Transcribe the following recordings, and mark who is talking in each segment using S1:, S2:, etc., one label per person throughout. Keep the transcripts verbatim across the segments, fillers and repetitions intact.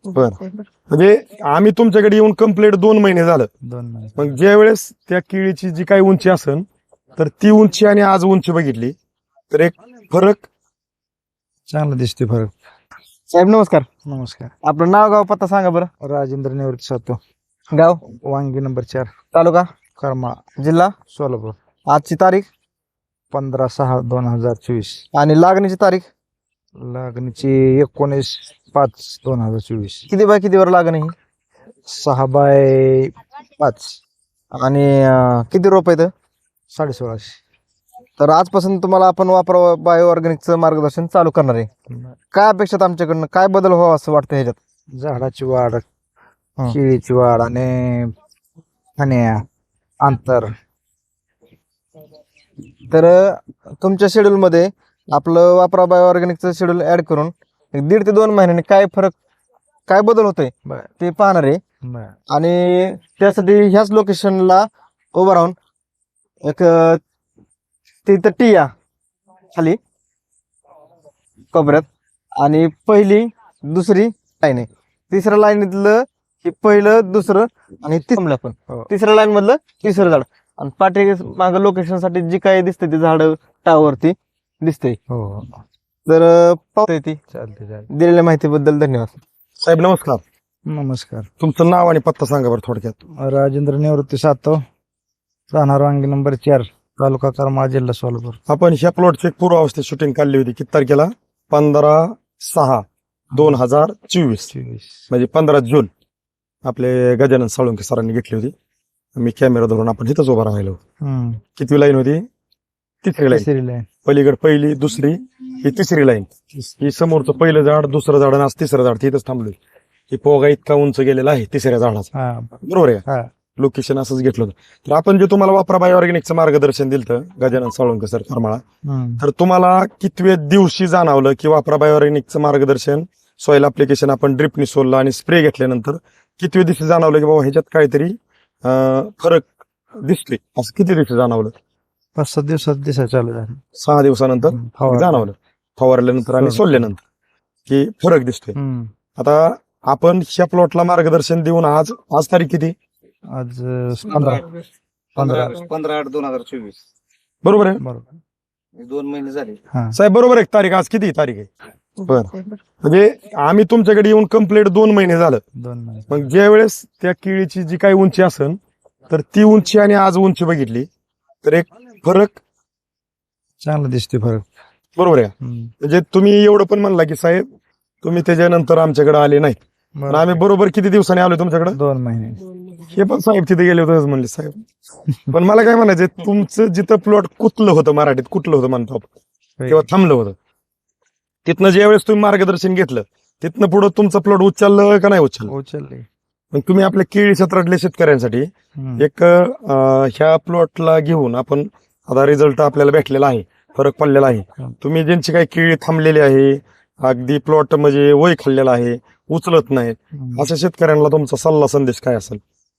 S1: बर म्हणजे आम्ही तुमच्याकडे येऊन कंप्लीट दोन महिने झालं.
S2: दोन महिने
S1: मग ज्या वेळेस त्या केळीची जी काही उंची असेल तर ती उंची आणि आज उंची बघितली तर एक फरक
S2: चांगला दिसतोय फरक.
S3: साहेब नमस्कार.
S2: नमस्कार.
S3: आपलं नाव गाव पत्ता सांगा बरं.
S2: राजेंद्र निवृत्ती सातो,
S3: गाव,
S2: वांगी नंबर चार,
S3: तालुका,
S2: करमाळा,
S3: जिल्हा,
S2: सोलापूर.
S3: आजची तारीख
S2: पंधरा सहा दोन हजार चोवीस.
S3: आणि लागणीची तारीख
S2: लागणीची एकोणीस पाच दोन हजार चोवीस.
S3: किती बाय कितीवर लागण ही
S2: सहा बाय पाच,
S3: आणि अं, किती रोप आहेत.
S2: साडे सोळाशे.
S3: तर आजपासून तुम्हाला आपण वापरा बायो ऑर्गॅनिकचं मार्गदर्शन चालू करणार आहे. काय अपेक्षित आमच्याकडनं, काय बदल व्हावा असं वाटतं ह्याच्यात.
S2: झाडाची वाढ,
S3: हं.
S2: केळीची वाढ आणि फण्या अंतर.
S3: तर अं, तुमच्या शेड्यूल मध्ये आपलं वापरा बायो ऑर्गॅनिकचं शेड्यूल ऍड करून एक दीड ते दोन महिन्यांनी काय फरक, काय बदल होतोय
S2: बर
S3: ते पाहणार आहे.
S2: बर
S3: आणि त्यासाठी ह्याच लोकेशनला उभं राहून एक अं, तिथं टिया खाली कोपऱ्यात आणि पहिली दुसरी लाईन आहे. तिसऱ्या लाईनीतलं हे पहिलं दुसरं आणि तिसरं पण
S2: हो.
S3: तिसऱ्या लाईन मधलं तिसरं झाड आणि पाठी मागं लोकेशन साठी जी काही दिसते ते झाड टावरती दिसते.
S2: हो हो.
S3: तर अं, पाहता येते.
S2: चालते चालते.
S3: दिलेल्या माहितीबद्दल धन्यवाद.
S1: साहेब नमस्कार.
S2: नमस्कार.
S1: तुमचं नाव आणि पत्ता सांगा बरं थोडक्यात.
S2: राजेंद्र निवृत्ती सातो, राहणार वांगी नंबर चार, तालुका करमाळा, जिल्हा सोलापूर.
S1: आपण ह्या प्लॉटची एक पूर्वावस्थेत शूटिंग काढली होती किती तारखेला? पंधरा सहा दोन हजार चोवीस
S2: चोवीस.
S1: म्हणजे पंधरा जून आपले गजानन साळुंके सरांनी घेतली होती. मी कॅमेरा धरून आपण इथंच उभा राहिलो.
S2: हम्म.
S1: किती लाईन होती? तिसरी लाईन.
S2: तिसरी लाईन.
S1: पलीकडे पहिली दुसरी ही तिसरी लाईन. ही समोरचं पहिलं झाड, दुसरं झाड आणि आज तिसरं झाड तिथंच थांबलोय. ही पोगा इतका उंच गेलेला आहे तिसऱ्या झाडाचा.
S2: हा
S1: बरोबर आहे का?
S2: हा.
S1: लोकेशन असंच घेतलं होतं. तर आपण जे तुम्हाला वापरा बायो ऑर्गॅनिकचं मार्गदर्शन दिलं गजानन साळुंके सर करमाळा,
S2: हम्म.
S1: तर तुम्हाला कितव्या दिवशी जाणवलं की वापरा बायो ऑर्गॅनिकचं मार्गदर्शन सॉइल अप्लिकेशन आपण ड्रिपनी सोडलं आणि स्प्रे घेतल्यानंतर कितव्या दिवशी जाणवलं की बाबा ह्याच्यात काहीतरी अं, फरक दिसतोय? असं किती दिवशी जाणवलं?
S2: पाच सात दिवसात दिसा चालू झालं.
S1: सहा दिवसानंतर
S2: हम्म. फवारणी.
S1: जाणवलं फवारल्यानंतर आणि
S2: हो.
S1: सोडल्यानंतर की फरक दिसतोय.
S2: हम्म.
S1: आता आपण ह्या प्लॉटला मार्गदर्शन देऊन आज आज तारीख किती?
S2: आज अं, पंधरा पंधरा
S4: पंधरा आठ दोन हजार चोवीस.
S1: बरोबर आहे
S2: बरोबर.
S4: दोन महिने झाले.
S2: हा.
S1: साहेब? बरोबर आहे. तारीख आज किती तारीख आहे? बरं म्हणजे आम्ही तुमच्याकडे येऊन कंप्लीट दोन महिने झालं.
S2: दोन महिने.
S1: मग ज्या वेळेस त्या केळीची जी काही उंची असेल तर ती उंची आणि आज उंची बघितली तर एक फरक
S2: चांगला दिसतोय फरक.
S1: बरोबर आहे का?
S2: हम्म.
S1: म्हणजे तुम्ही एवढं पण म्हणला की साहेब तुम्ही त्याच्यानंतर आमच्याकडे आले नाही, पण
S2: बरोबर.
S1: आम्ही बरोबर किती दिवसांनी आलो तुमच्याकडे?
S2: दोन महिने.
S1: हे पण साहेब तिथे गेले होते म्हणले साहेब. पण मला काय म्हणायचं, तुमचं जिथं प्लॉट कुठलं होतं, मराठीत कुठलं होतं म्हणतो आपण, किंवा थांबलं होतं, तिथनं ज्या वेळेस तुम्ही मार्गदर्शन घेतलं तिथनं पुढे तुमचं प्लॉट उचललं का नाही उचललं?
S2: उचलले.
S1: मग तुम्ही आपल्या केळी क्षेत्रातल्या शेतकऱ्यांसाठी
S2: हम्म.
S1: एक अं, ह्या प्लॉटला घेऊन आपण आता रिझल्ट आपल्याला भेटलेला आहे, फरक पडलेला आहे.
S2: हं.
S1: तुम्ही ज्यांची काही केळी थांबलेली आहे, अगदी प्लॉट म्हणजे वय खाल्लेला आहे, उचलत नाहीत,
S2: हम्म.
S1: अशा शेतकऱ्यांना तुमचा सल्ला संदेश काय असेल?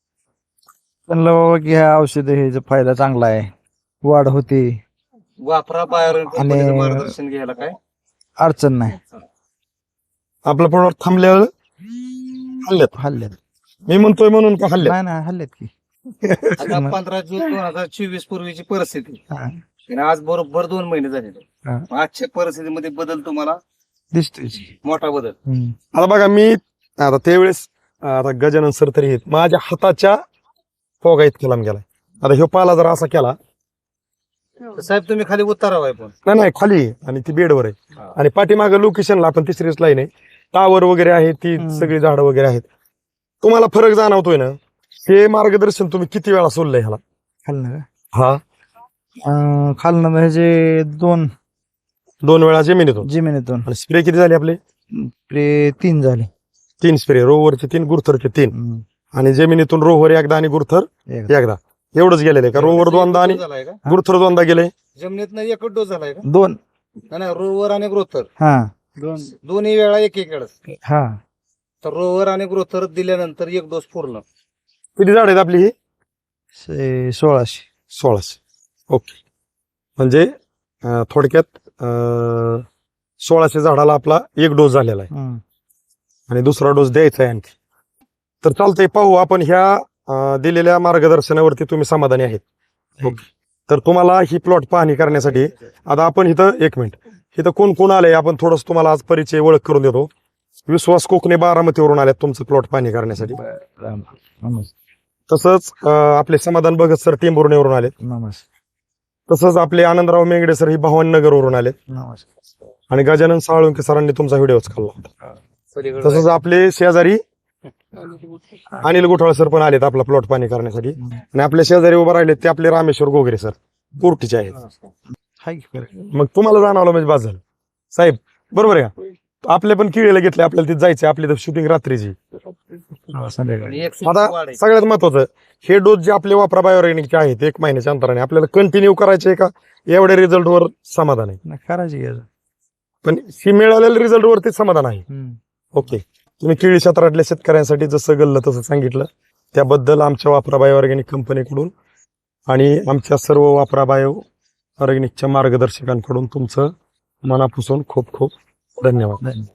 S2: म्हणलं बाबा की ह्या औषध हे फायदा चांगला आहे, वाढ होते,
S4: वापरा बाहेर
S2: आणि-
S4: मार्गदर्शन घ्यायला काय
S2: अडचण नाही.
S1: आपला प्लॉट थांबल्यावर हल्ल्यात,
S2: हल्ल्यात
S1: मी म्हणतोय म्हणून का हल्ल्यात?
S2: नाही नाही हल्ल्यात की.
S4: आता पंधरा जून दोन हजार चोवीस पूर्वीची परिस्थिती
S2: हा.
S4: आणि आज बरोबर दोन महिने झालेले.
S2: हा.
S4: आजच्या परिस्थितीमध्ये बदल तुम्हाला
S2: दिसतोय.
S4: मोठा बदल.
S2: हम्म.
S1: आता बघा, मी आता त्यावेळेस आता गजानन सर तरी आहेत, माझ्या हाताच्या फोगा इतका लांब गेलाय. आता ह्यो पाला जर असा केला,
S4: साहेब तुम्ही खाली उतारावाय पण
S1: नाही नाही खाली आहे आणि ती बेडवर आहे,
S4: हा.
S1: आणि पाठीमागं लोकेशनला आपण तिसरीच लाईन आहे, टावर वगैरे आहे, ती
S2: हम्म.
S1: सगळी झाडं वगैरे आहेत. तुम्हाला फरक जाणवतोय ना? हे मार्गदर्शन तुम्ही किती वेळा सोडलंय ह्याला?
S2: खालनं का?
S1: हा,
S2: अं, खालनं ह्याचे दोन
S1: दोन वेळा जमिनीतून.
S2: जमिनीतून.
S1: आणि स्प्रे किती झाले आपले?
S2: ते तीन झाले.
S1: तीन स्प्रे, रोवरचे तीन, गुरथरचे तीन,
S2: हम्म.
S1: आणि जमिनीतून रोवर एकदा आणि गुरथर
S2: एकदा.
S1: एकदा. एवढंच गेलेलं आहे का? रोवर दोनदा आणि
S4: झालाय का
S1: गुरथर दोनदा गेले.
S4: जमिनीत एकच डोस झालाय का?
S2: दोन.
S4: नाही, नाही रोवर आणि ग्रोथर
S2: हा
S4: दोन दोन्ही वेळा एक एक वेळेस.
S2: हा.
S4: तर रोवर आणि ग्रोथर दिल्यानंतर एक डोस पूर्ण.
S1: किती झाड आहेत आपली? ही
S2: से- सोळाशे.
S1: सोळाशे. ओके, म्हणजे अं, थोडक्यात अं, सोळाशे झाडाला आपला एक डोस झालेला आहे.
S2: हम्म.
S1: आणि दुसरा डोस द्यायचा आहे आणखी. तर चालतंय, पाहू आपण ह्या अं, दिलेल्या मार्गदर्शनावरती तुम्ही समाधानी आहेत. ओके. तर तुम्हाला ही प्लॉट पाहणी करण्यासाठी आता आपण इथं एक मिनिट इथं कोण कोण आलंय आपण थोडस तुम्हाला आज परिचय ओळख करून देतो. विश्वास कोकणे बारामतीवरून आल्यात तुमचं प्लॉट पाहणी करण्यासाठी.
S2: नमस्कार.
S1: तसंच अं, आपले समाधान भगत सर टेंभुर्णीवरून आलेत.
S2: नमस्कार.
S1: तसंच आपले आनंदराव मेंगडे सर ही भवानीनगरवरून आलेत.
S2: नमस्कार.
S1: आणि गजानन साळुंके सरांनी तुमचा व्हिडिओ खाल्ला होता. तसंच आपले शेजारी अनिल गुठाळ सर पण आलेत आपला प्लॉट पाणी करण्यासाठी. आणि आपल्या शेजारी उभं राहिले ते आपले रामेश्वर गोगरे सर कोर्टीचे आहेत.
S2: हाय की बरं.
S1: मग तुम्हाला जाणवलं म्हणजे बाद झालं साहेब, बरोबर आहे का? आपले पण किळेला घेतले, आपल्याला तिथे जायचे, आपली तर शूटिंग रात्रीची.
S2: हा, संध्याकाळी.
S4: एक सीट वाढ
S1: आता
S4: आहे.
S1: सगळ्यात महत्वाचं हे डोस जे आपले वापरा बायोऑर्गॅनिकचे आहेत एक महिन्याच्या अंतराने आपल्याला कंटिन्यू करायचे का एवढ्या रिझल्टवर समाधान आहे?
S2: नाही, करायची घ्यायचं.
S1: पण ही मिळालेल्या रिझल्ट वरती समाधान आहे. ओके. तुम्ही केळी क्षेत्रातल्या शेतकऱ्यांसाठी जसं गल्लं तसं सांगितलं त्याबद्दल आमच्या वापरा बायो ऑर्गॅनिक कंपनीकडून आणि आमच्या सर्व वापरा बायो ऑर्गॅनिकच्या मार्गदर्शकांकडून तुमचं मनापासून खूप खूप धन्यवाद.
S2: धन्यवाद.